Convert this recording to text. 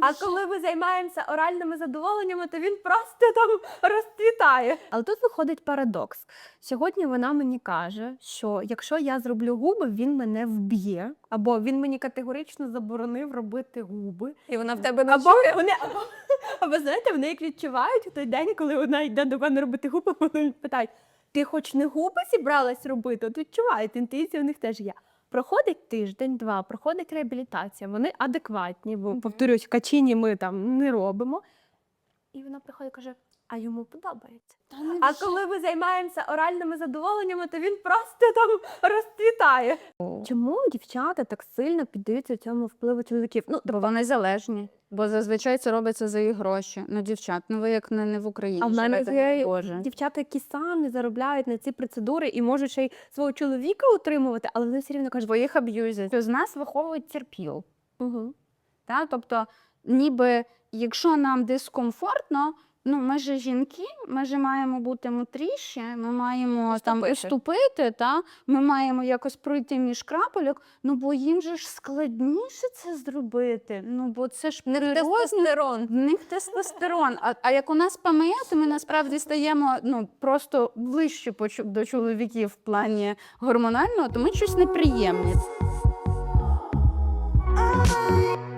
А коли ми займаємося оральними задоволеннями, то він просто там розцвітає. Але тут виходить парадокс. Сьогодні вона мені каже, що якщо я зроблю губи, він мене вб'є, або він мені категорично заборонив робити губи. І вона в тебе Або вони, або знаєте, вони як відчувають у той день, коли вона йде до мене робити губи, вони питають: ти хоч не губи зібралась робити? От відчувають, інтуїція в них теж є. Проходить тиждень-два, проходить реабілітація, вони адекватні, бо, повторюсь, качині ми там не робимо. І вона приходить і каже: а йому подобається. А коли ми займаємося оральними задоволеннями, то він просто там розцвітає. Чому дівчата так сильно піддаються цьому впливу чоловіків? Ну, Бо вони залежні. Бо зазвичай це робиться за їх гроші. Ну, дівчат, ну ви як не в Україні. а в мене живете, є Боже. дівчата, які самі заробляють на ці процедури і можуть ще й свого чоловіка утримувати, але вони все рівно кажуть: Бо їх аб'юзять. З нас виховують терпіл. угу. Та? Тобто, ніби, якщо нам дискомфортно, ну, ми ж жінки, ми ж маємо бути мудріші, ми маємо там уступити, та? Ми маємо якось пройти між крапельок, ну, бо їм же ж складніше це зробити. Ну, бо це ж Тестостерон. в них тестостерон. А як у нас ПМС, то ми насправді стаємо ну, просто ближче до чоловіків в плані гормонального, то ми щось неприємні.